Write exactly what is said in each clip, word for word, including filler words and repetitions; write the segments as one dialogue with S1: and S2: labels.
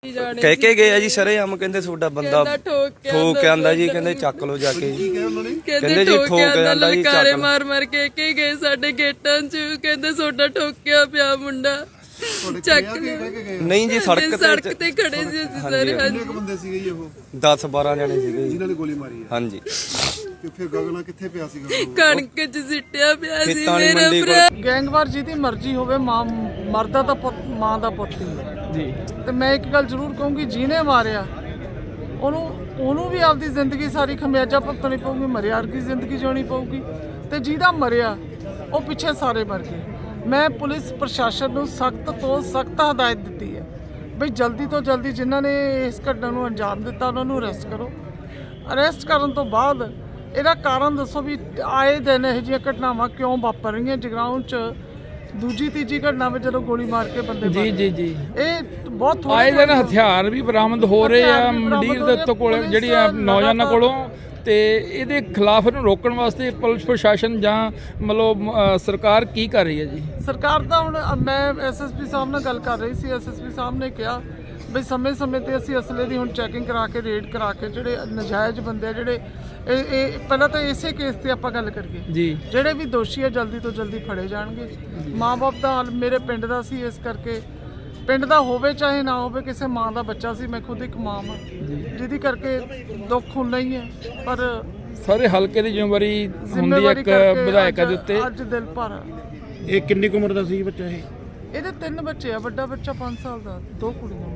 S1: ਕਹਿ ਕੇ ਗਏ ਆ ਜੀ ਸਰੇਆਮ, ਕਹਿੰਦੇ ਤੁਹਾਡਾ ਬੰਦਾ ਠੋਕ ਕੇ ਆਂਦਾ ਜੀ, ਕਹਿੰਦੇ ਚੱਕ ਲੋ ਜਾ ਕੇ।
S2: ਕਹਿੰਦੇ ਜੀ ਠੋਕ ਕੇ ਆਂਦਾ ਜੀ, ਲਲਕਾਰੇ ਮਾਰ ਮਾਰ ਕੇ ਕੇ ਗਏ ਸਾਡੇ ਗੇਟਾਂ 'ਚ, ਕਹਿੰਦੇ ਤੁਹਾਡਾ ਠੋਕਿਆ ਪਿਆ ਮੁੰਡਾ ਚੱਕ
S1: ਨਹੀਂ ਜੀ, ਸੜਕ ਤੇ
S2: ਸੜਕ ਤੇ ਖੜੇ ਸੀ ਅਸੀਂ ਸਾਰੇ।
S3: ਕਿੰਨੇ ਕੁ ਬੰਦੇ ਸੀਗੇ ਜੀ ਉਹ?
S1: ਦਸ ਬਾਰਾਂ ਜਣੇ ਸੀਗੇ ਜੀ
S3: ਜਿਨ੍ਹਾਂ ਨੇ ਗੋਲੀ ਮਾਰੀ ਹੈ।
S1: ਹਾਂਜੀ।
S3: ਤੇ ਫਿਰ ਗਗਨਾ ਕਿੱਥੇ ਪਿਆ ਸੀਗਾ?
S2: ਕਣਕ 'ਚ ਸਿੱਟਿਆ ਪਿਆ ਸੀ ਮੇਰਾ ਭਰਾ।
S4: ਗੈਂਗਵਾਰ ਜਿਹਦੀ ਮਰਜ਼ੀ ਹੋਵੇ, ਮਾਂ ਮਰਦਾ ਤਾਂ ਪੁੱਤ ਮਾਂ ਦਾ ਪੁੱਤ ਹੀ ਹੈ ਜੀ। ਤੇ ਮੈਂ ਇੱਕ ਗੱਲ ਜ਼ਰੂਰ ਕਹੂੰਗੀ, ਜਿਹਨੇ ਮਾਰਿਆ ਉਹਨੂੰ ਉਹਨੂੰ ਵੀ ਆਪਦੀ ਜ਼ਿੰਦਗੀ ਸਾਰੀ ਖਮਿਆਜਾ ਭੁਗਤਣੀ ਪਊਗੀ, ਮਰਿਆ ਵਰਗੀ ਜ਼ਿੰਦਗੀ ਜਿਉਣੀ ਪਊਗੀ। ਤੇ ਜਿਹਦਾ ਮਰਿਆ ਉਹ ਪਿੱਛੇ ਸਾਰੇ ਮਰ ਗਏ। ਮੈਂ ਪੁਲਿਸ ਪ੍ਰਸ਼ਾਸਨ ਨੂੰ ਸਖਤ ਤੋਂ ਸਖਤ ਹਦਾਇਤ ਦਿੱਤੀ ਹੈ ਬਈ ਜਲਦੀ ਤੋਂ ਜਲਦੀ ਜਿਨ੍ਹਾਂ ਨੇ ਇਸ ਘਟਨਾ ਨੂੰ ਅੰਜਾਮ ਦਿੱਤਾ ਉਹਨਾਂ ਨੂੰ ਅਰੈਸਟ ਕਰੋ। ਅਰੈਸਟ ਕਰਨ ਤੋਂ ਬਾਅਦ ਇਹਦਾ ਕਾਰਨ ਦੱਸੋ ਵੀ ਆਏ ਦਿਨ ਇਹੋ ਜਿਹੀਆਂ ਘਟਨਾਵਾਂ ਕਿਉਂ ਵਾਪਰ ਰਹੀਆਂ ਜਗਰਾਉਂ 'ਚ। ਦੂਜੀ ਤੀਜੀ ਘਟਨਾ ਵਿੱਚ ਜਦੋਂ ਗੋਲੀ ਮਾਰ ਕੇ ਬੰਦੇ
S5: ਜੀ ਜੀ ਜੀ
S4: ਇਹ ਬਹੁਤ
S5: ਆਏ ਦਿਨ ਹਥਿਆਰ ਵੀ ਬਰਾਮਦ ਹੋ ਰਹੇ ਆ ਮੰਡੀਰ ਦੇ ਉੱਤੋਂ ਕੋਲ ਜਿਹੜੀ ਆ ਨੌਜਵਾਨਾਂ ਕੋਲੋਂ। ਤੇ ਇਹਦੇ ਖਿਲਾਫ ਇਹਨੂੰ ਰੋਕਣ ਵਾਸਤੇ ਪੁਲਿਸ ਪ੍ਰਸ਼ਾਸਨ ਜਾਂ ਮਤਲਬ ਸਰਕਾਰ ਕੀ ਕਰ ਰਹੀ ਹੈ ਜੀ?
S4: ਸਰਕਾਰ ਤਾਂ ਹੁਣ ਮੈਂ ਐਸਐਸਪੀ ਸਾਹਿਬ ਨਾਲ ਗੱਲ ਕਰ ਰਹੀ ਸੀ। ਐਸਐਸਪੀ ਸਾਹਿਬ ਨੇ ਕਿਹਾ ਬਈ ਸਮੇਂ ਸਮੇਂ ਤੇ ਅਸੀਂ ਅਸਲੇ ਦੀ ਹੁਣ ਚੈਕਿੰਗ ਕਰਾ ਕੇ ਰੇਡ ਕਰਾ ਕੇ ਜਿਹੜੇ ਨਜਾਇਜ਼ ਬੰਦੇ ਆ ਜਿਹੜੇ ਇਹ ਇਹ ਪਹਿਲਾਂ ਤਾਂ ਇਸੇ ਕੇਸ ਤੇ ਆਪਾਂ ਗੱਲ ਕਰੀਏ
S5: ਜੀ,
S4: ਜਿਹੜੇ ਵੀ ਦੋਸ਼ੀ ਆ ਜਲਦੀ ਤੋਂ ਜਲਦੀ ਫੜੇ ਜਾਣਗੇ। ਮਾਂ-ਬਾਪ ਦਾ ਹਾਲ ਮੇਰੇ ਪਿੰਡ ਦਾ ਸੀ, ਇਸ ਕਰਕੇ ਪਿੰਡ ਦਾ ਹੋਵੇ ਚਾਹੇ ਨਾ ਹੋਵੇ, ਕਿਸੇ ਮਾਂ ਦਾ ਬੱਚਾ ਸੀ। ਮੈਂ ਖੁਦ ਇੱਕ ਮਾਂ ਹਾਂ ਜਿਹਦੀ ਕਰਕੇ ਦੁੱਖ ਹੁੰਦਾ ਹੀ ਹੈ, ਪਰ
S5: ਸਾਰੇ ਹਲਕੇ ਦੀ ਜ਼ਿੰਮੇਵਾਰੀ ਹੁੰਦੀ ਹੈ ਇੱਕ ਵਿਧਾਇਕਾਂ ਦੇ ਉੱਤੇ।
S4: ਅੱਜ ਦਿਲ ਭਰ ਆ।
S3: ਇਹ ਕਿੰਨੀ ਕੁ ਉਮਰ ਦਾ ਸੀ ਬੱਚਾ? ਇਹ
S4: ਇਹਦੇ ਤਿੰਨ ਬੱਚੇ ਆ, ਵੱਡਾ ਬੱਚਾ ਪੰਜ ਸਾਲ ਦਾ, ਦੋ ਕੁੜੀਆਂ।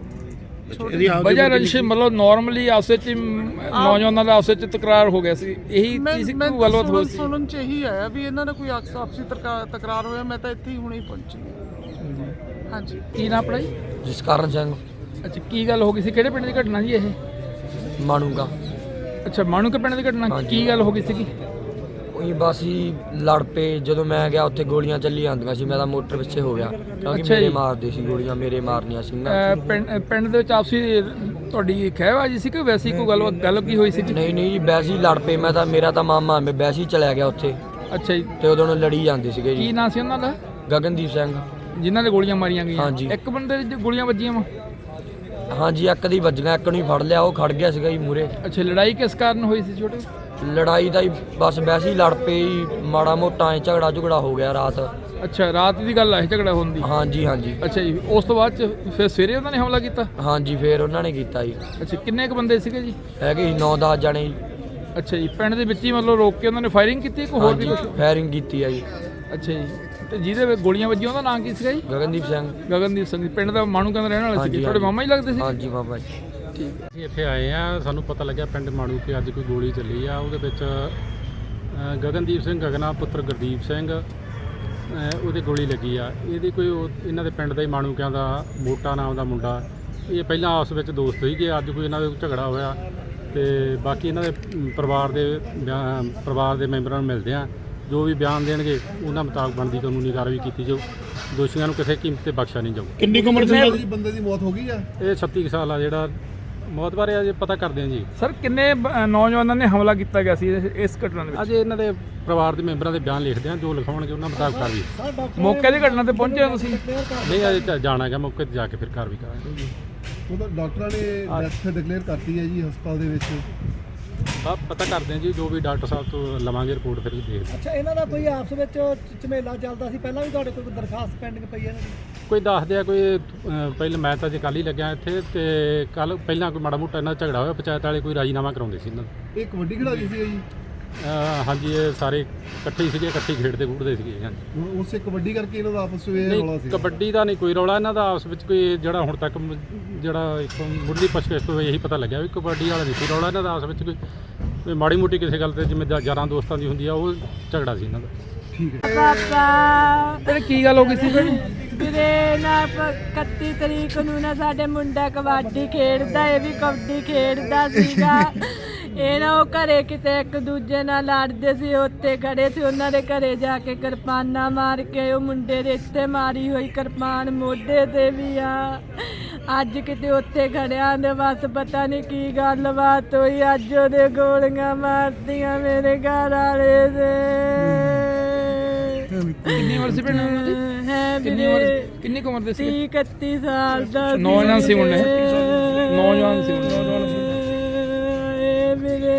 S5: ਵਜ੍ਹਾ ਰੰਸ਼ ਮਤਲਬ ਨਾਰਮਲੀ ਆਪਸ ਵਿੱਚ ਨੌਜਵਾਨਾਂ ਦਾ ਆਪਸ ਵਿੱਚ ਤਕਰਾਰ ਹੋ ਗਿਆ ਸੀ, ਇਹੀ ਚੀਜ਼ ਕੋਈ ਗੱਲਬਾਤ ਹੋਈ ਸੀ?
S4: ਸੁਣਨ 'ਚ ਇਹੀ ਆਇਆ ਵੀ ਇਹਨਾਂ ਦਾ ਕੋਈ ਆਪਸੀ ਤਕਰਾਰ ਹੋਇਆ। ਮੈਂ ਤਾਂ ਇੱਥੇ ਹੀ ਹੁਣੇ ਪਹੁੰਚੀ। ਹਾਂਜੀ।
S5: ਕੀ ਨਾਮ ਆਪਣਾ ਜੀ?
S6: ਜਸਕਰਨ ਸਿੰਘ।
S5: ਅੱਛਾ, ਕੀ ਗੱਲ ਹੋ ਗਈ ਸੀ? ਕਿਹੜੇ ਪਿੰਡ ਦੀ ਘਟਨਾ ਜੀ ਇਹ?
S6: ਮਾਣੂਗਾ।
S5: ਅੱਛਾ, ਮਾਣੂਕੇ ਪਿੰਡ ਦੀ ਘਟਨਾ। ਕੀ ਗੱਲ ਹੋ ਗਈ ਸੀਗੀ?
S6: ਉਹੀ ਬਸ ਹੀ ਲੜ ਪਏ। ਜਦੋਂ ਮੈਂ ਗਿਆ ਉੱਥੇ ਗੋਲੀਆਂ ਚੱਲੀ ਜਾਂਦੀਆਂ ਸੀ, ਮੈਂ ਤਾਂ ਮੋਟਰ ਪਿੱਛੇ ਹੋ ਗਿਆ ਕਿਉਂਕਿ ਮੇਰੇ ਮਾਰਦੇ ਸੀ ਗੋਲੀਆਂ, ਮੇਰੇ ਮਾਰਨੀਆਂ ਸੀ ਨਾ।
S5: ਪਿੰਡ ਪਿੰਡ ਦੇ ਵਿੱਚ ਆਪਸੀ ਤੁਹਾਡੀ ਖਹਿਬਾਜੀ ਸੀ ਕਿ ਵੈਸੀ ਕੋਈ ਗੱਲ ਗੱਲ ਕੀ ਹੋਈ ਸੀ?
S6: ਨਹੀਂ ਨਹੀਂ ਜੀ, ਵੈਸੇ ਹੀ ਲੜ ਪਏ। ਮੈਂ ਤਾਂ ਮੇਰਾ ਤਾਂ ਮਾਮਾ, ਮੈਂ ਵੈਸੇ ਹੀ ਚਲਿਆ ਗਿਆ ਉੱਥੇ।
S5: ਅੱਛਾ ਜੀ।
S6: ਤੇ ਉਦੋਂ ਨੂੰ ਲੜੀ ਜਾਂਦੇ ਸੀਗੇ ਜੀ।
S5: ਕੀ ਨਾਂ ਸੀ ਉਹਨਾਂ ਦਾ?
S6: ਗਗਨਦੀਪ ਸਿੰਘ।
S5: ਜਿਨ੍ਹਾਂ ਦੇ ਗੋਲੀਆਂ ਮਾਰੀਆਂ ਗਈਆਂ?
S6: ਹਾਂਜੀ।
S5: ਇੱਕ ਬੰਦੇ ਦੀ ਗੋਲੀਆਂ ਵੱਜੀਆਂ ਵਾ?
S6: ਹਾਂਜੀ, ਇੱਕ ਦੀ ਵੱਜੀਆਂ, ਇੱਕ ਨੂੰ ਹੀ ਫੜ ਲਿਆ, ਉਹ ਖੜ ਗਿਆ ਸੀਗਾ ਜੀ ਮੂਰੇ।
S5: ਅੱਛਾ, ਲੜਾਈ ਕਿਸ ਕਾਰਨ ਹੋਈ ਸੀ ਛੋਟੇ?
S6: ਲੜਾਈ ਦਾ ਹੀ ਬਸ ਵੈਸੇ ਹੀ ਲੜ ਪਏ ਜੀ, ਮਾੜਾ ਮੋਟਾ ਐ ਝਗੜਾ ਝੁਗੜਾ ਹੋ ਗਿਆ ਰਾਤ।
S5: ਅੱਛਾ, ਰਾਤ ਦੀ ਗੱਲ ਆ ਇਹ ਝਗੜਾ ਹੋਣ ਦੀ?
S6: ਹਾਂਜੀ ਹਾਂਜੀ।
S5: ਅੱਛਾ ਜੀ, ਉਸ ਤੋਂ ਬਾਅਦ ਚ ਫਿਰ ਸਵੇਰੇ ਉਹਨਾਂ ਨੇ ਹਮਲਾ ਕੀਤਾ?
S6: ਹਾਂਜੀ, ਫਿਰ ਉਹਨਾਂ ਨੇ ਕੀਤਾ ਜੀ।
S5: ਅੱਛਾ, ਕਿੰਨੇ ਕੁ ਬੰਦੇ ਸੀਗੇ ਜੀ?
S6: ਹੈਗੇ ਸੀ ਨੌ ਦਸ ਜਣੇ ਜੀ।
S5: ਅੱਛਾ ਜੀ, ਪਿੰਡ ਦੇ ਵਿੱਚ ਹੀ ਮਤਲਬ ਰੋਕ ਕੇ ਉਹਨਾਂ ਨੇ ਫਾਇਰਿੰਗ ਕੀਤੀ ਕਿ ਹੋਰ ਵੀ ਕੁਝ?
S6: ਫਾਇਰਿੰਗ ਕੀਤੀ ਆ ਜੀ।
S5: ਅੱਛਾ ਜੀ, ਤੇ ਜਿਹਦੇ ਵਿੱਚ ਗੋਲੀਆਂ ਵੱਜੀਆਂ ਉਹਦਾ ਨਾਂ ਕੀ ਸੀਗਾ ਜੀ?
S6: ਗਗਨਦੀਪ ਸਿੰਘ।
S5: ਗਗਨਦੀਪ ਸਿੰਘ ਪਿੰਡ ਦਾ ਮਾਣੂਕੇ ਦਾ ਰਹਿਣ ਵਾਲਾ ਸੀ? ਤੁਹਾਡੇ ਮਾਮਾ ਹੀ ਲੱਗਦੇ ਸੀ?
S6: ਹਾਂਜੀ ਮਾਮਾ ਜੀ।
S5: ਠੀਕ ਹੈ।
S7: ਅਸੀਂ ਇੱਥੇ ਆਏ ਆ, ਸਾਨੂੰ ਪਤਾ ਲੱਗਿਆ ਪਿੰਡ ਮਾਣੂਕੇ ਅੱਜ ਕੋਈ ਗੋਲੀ ਚੱਲੀ ਆ। ਉਹਦੇ ਵਿੱਚ ਗਗਨਦੀਪ ਸਿੰਘ ਗਗਨਾ ਪੁੱਤਰ ਗੁਰਦੀਪ ਸਿੰਘ ਉਹਦੇ ਗੋਲੀ ਲੱਗੀ ਆ। ਇਹਦੀ ਕੋਈ ਇਹਨਾਂ ਦੇ ਪਿੰਡ ਦਾ ਹੀ ਮਾਣੂਕਿਆਂ ਦਾ ਮੋਟਾ ਨਾਮ ਦਾ ਮੁੰਡਾ, ਇਹ ਪਹਿਲਾਂ ਆਪਸ ਵਿੱਚ ਦੋਸਤ ਸੀਗੇ। ਅੱਜ ਕੋਈ ਇਹਨਾਂ ਦਾ ਝਗੜਾ ਹੋਇਆ ਤੇ ਬਾਕੀ ਇਹਨਾਂ ਦੇ ਪਰਿਵਾਰ ਦੇ ਪਰਿਵਾਰ ਦੇ ਮੈਂਬਰਾਂ ਨੂੰ ਮਿਲਦੇ ਆ, ਜੋ ਵੀ ਬਿਆਨ ਦੇਣਗੇ ਉਹਨਾਂ ਮੁਤਾਬਕ ਬਣਦੀ ਕਾਨੂੰਨੀ ਕਾਰਵਾਈ ਕੀਤੀ ਜਾਊ। ਦੋਸ਼ੀਆਂ ਨੂੰ ਕਿਸੇ ਕੀਮਤ ਤੇ ਬਖਸ਼ਿਆ ਨਹੀਂ ਜਾਊ।
S3: ਕਿੰਨੀ ਕੁ ਉਮਰ ਸੀ ਬੰਦੇ ਦੀ? ਮੌਤ ਹੋ ਗਈ ਆ?
S7: ਇਹ ਛੱਤੀ ਕੁ ਸਾਲ ਆ। ਜਿਹੜਾ ਮੌਤ ਬਾਰੇ ਅਜੇ ਪਤਾ ਕਰਦੇ ਆ ਜੀ।
S5: ਸਰ, ਕਿੰਨੇ ਨੌਜਵਾਨਾਂ ਨੇ ਹਮਲਾ ਕੀਤਾ ਗਿਆ ਸੀ ਇਸ ਘਟਨਾ ਦੇ ਵਿੱਚ?
S7: ਅਜੇ ਇਹਨਾਂ ਦੇ ਪਰਿਵਾਰ ਦੇ ਮੈਂਬਰਾਂ ਦੇ ਬਿਆਨ ਲਿਖਦੇ ਆ, ਜੋ ਲਿਖਾਉਣਗੇ ਉਹਨਾਂ ਮੁਤਾਬਕ ਕਾਰਵਾਈ।
S5: ਮੌਕੇ ਦੀ ਘਟਨਾ ਤੇ ਪਹੁੰਚੇ ਹੋ ਤੁਸੀਂ?
S7: ਨਹੀਂ, ਅਜੇ ਜਾਣਾ ਹੈਗਾ ਮੌਕੇ ਤੇ ਜਾ ਕੇ ਫਿਰ ਕਾਰਵਾਈ ਕਰਾਂਗੇ।
S3: ਉਹਦਾ ਡਾਕਟਰਾਂ ਨੇ ਡੈਥ ਡਿਕਲੇਅਰ ਕਰਤੀ ਹੈ ਜੀ ਹਸਪਤਾਲ ਦੇ ਵਿੱਚ।
S7: ਬਸ ਪਤਾ ਕਰਦੇ ਆ ਜੀ, ਜੋ ਵੀ ਡਾਕਟਰ ਸਾਹਿਬ ਤੋਂ ਲਵਾਂਗੇ ਰਿਪੋਰਟ ਫਿਰ ਦੇਖਦੇ।
S8: ਅੱਛਾ, ਇਹਨਾਂ ਦਾ ਕੋਈ ਆਪਸ ਵਿੱਚ ਝਮੇਲਾ ਚੱਲਦਾ ਸੀ ਪਹਿਲਾਂ ਵੀ? ਤੁਹਾਡੇ ਕੋਈ ਦਰਖਾਸਤ ਪੈਂਡਿੰਗ ਪਈ ਹੈ ਇਹਨਾਂ ਦੀ?
S7: ਕੋਈ ਦੱਸਦੇ ਆ ਕੋਈ ਪਹਿਲਾਂ, ਮੈਂ ਤਾਂ ਜੇ ਕੱਲ੍ਹ ਹੀ ਲੱਗਿਆ ਇੱਥੇ, ਤੇ ਕੱਲ ਪਹਿਲਾਂ ਕੋਈ ਮਾੜਾ ਮੋਟਾ ਇਹਨਾਂ ਦਾ ਝਗੜਾ ਹੋਇਆ, ਪੰਚਾਇਤ ਵਾਲੇ ਕੋਈ ਰਾਜੀਨਾਮਾ ਕਰਾਉਂਦੇ ਸੀ ਇਹਨਾਂ ਦਾ।
S3: ਇਹ ਕਬੱਡੀ ਖਿਡਾਰੀ ਸੀ ਜੀ?
S7: ਹਾਂਜੀ, ਇਹ ਸਾਰੇ ਇਕੱਠੇ ਹੀ ਸੀਗੇ, ਇਕੱਠੇ ਖੇਡਦੇ ਖੂਡਦੇ ਸੀਗੇ। ਹਾਂਜੀ,
S3: ਉਸੇ ਕਬੱਡੀ ਕਰਕੇ ਇਹਨਾਂ ਦਾ ਆਪਸ ਵਿੱਚ ਰੌਲਾ ਸੀ?
S7: ਕਬੱਡੀ ਦਾ ਨਹੀਂ ਕੋਈ ਰੌਲਾ ਇਹਨਾਂ ਦਾ ਆਪਸ ਵਿੱਚ ਕੋਈ, ਜਿਹੜਾ ਹੁਣ ਤੱਕ ਜਿਹੜਾ ਇੱਕ ਮੁੱਢਲੀ ਪੁੱਛਗਿੱਛ ਤੋਂ ਇਹੀ ਪਤਾ ਲੱਗਿਆ ਵੀ ਕਬੱਡੀ ਵਾਲਾ ਨਹੀਂ ਸੀ ਰੌਲਾ ਇਹਨਾਂ ਦਾ। ਆਪਸ ਵਿੱਚ ਕੋਈ ਕੋਈ ਮਾੜੀ ਮੋਟੀ ਕਿਸੇ ਗੱਲ ਤੇ ਜਿਵੇਂ ਯਾਰਾਂ ਦੋਸਤਾਂ ਦੀ ਹੁੰਦੀ ਆ, ਉਹ ਝਗੜਾ ਸੀ ਇਹਨਾਂ ਦਾ।
S3: ਠੀਕ ਹੈ।
S2: ਪਾਪਾ
S5: ਤੇ ਕੀ ਗੱਲ ਹੋ ਗਈ ਸੀ ਭੈਣ?
S2: ਵੀਰੇ ਨਾ ਇਕੱਤੀ ਤਰੀਕ ਨੂੰ ਨਾ ਸਾਡੇ ਮੁੰਡਾ ਕਬੱਡੀ ਖੇਡਦਾ, ਇਹ ਵੀ ਕਬੱਡੀ ਖੇਡਦਾ ਸੀਗਾ। ਇਹ ਨਾ ਉਹ ਘਰੇ ਕਿਤੇ ਇੱਕ ਦੂਜੇ ਨਾਲ ਲੜਦੇ ਸੀ, ਉੱਤੇ ਖੜੇ ਸੀ। ਉਹਨਾਂ ਦੇ ਘਰੇ ਜਾ ਕੇ ਕਿਰਪਾਨਾਂ ਮਾਰ ਕੇ ਉਹ ਮੁੰਡੇ ਦੇ ਇੱਥੇ ਮਾਰੀ ਹੋਈ ਕਿਰਪਾਨ ਮੋਢੇ ਤੇ ਵੀ ਆ। ਅੱਜ ਕਿਤੇ ਉੱਥੇ ਖੜਿਆਂ ਦੇ ਬਸ ਪਤਾ ਨਹੀਂ ਕੀ ਗੱਲਬਾਤ ਹੋਈ, ਅੱਜ ਉਹਦੇ ਗੋਲੀਆਂ ਮਾਰਤੀਆਂ ਮੇਰੇ ਘਰ ਵਾਲੇ ਦੇ।
S5: ਕਿੰਨੀ ਉਮਰ ਸੀ ਭੈਣ ਉਹਨਾਂ ਦੀ?
S2: ਹੈ
S5: ਕਿੰਨੀ ਉਮਰ ਕਿੰਨੀ ਕੁ ਉਮਰ ਦੇ ਸੀ?
S2: ਤੀਹ ਇਕੱਤੀ ਸਾਲ ਦਾ
S5: ਨੌਜਵਾਨ ਸੀ ਮੁੰਡੇ। ਨੌਜਵਾਨ ਸੀ ਨੌਜਵਾਨ
S2: ਏ ਵੀਰੇ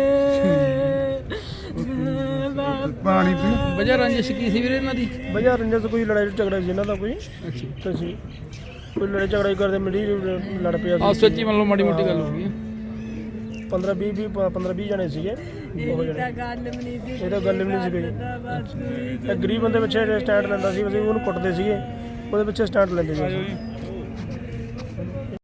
S3: ਪਾਣੀ ਪੀ
S5: ਵਜ੍ਹਾ ਰੰਜਿਸ਼ ਕੀ ਸੀ ਵੀਰੇ ਇਹਨਾਂ ਦੀ?
S8: ਵਜ੍ਹਾ ਰੰਜਨ ਤੋਂ ਕੋਈ ਲੜਾਈ ਝਗੜਾ ਸੀ ਇਹਨਾਂ ਦਾ ਕੋਈ
S5: ਅੱਛਾ
S8: ਤੇ ਸੀ ਕੋਈ ਲੜਾਈ ਝਗੜਾ ਹੀ ਕਰਦੇ ਮਿਲੀ ਲੜ ਪਿਆ
S5: ਆ ਸੱਚੀ ਮੰਨ ਲਓ ਮਾੜੀ ਮੋਟੀ ਗੱਲ ਹੋ ਗਈ ਹੈ।
S8: ਪੰਦਰਾਂ ਵੀਹ ਵੀਹ ਪੰਦਰਾਂ ਵੀਹ ਜਣੇ ਸੀਗੇ ਉਹ ਜਣੇ
S2: ਤਾਂ ਗੱਲ ਵੀ ਨਹੀਂ ਸੀ
S8: ਇਹ ਤਾਂ ਗੱਲ ਵੀ ਨਹੀਂ ਸੀ ਕੋਈ ਇਹ ਗਰੀਬ ਬੰਦੇ ਪਿੱਛੇ ਸਟੈਂਡ ਲੈਂਦਾ ਸੀ ਅਸੀਂ ਉਹਨੂੰ ਕੁੱਟਦੇ ਸੀਗੇ ਉਹਦੇ ਪਿੱਛੇ ਸਟੈਂਡ ਲੈਂਦੇ ਸੀ ਅਸੀਂ।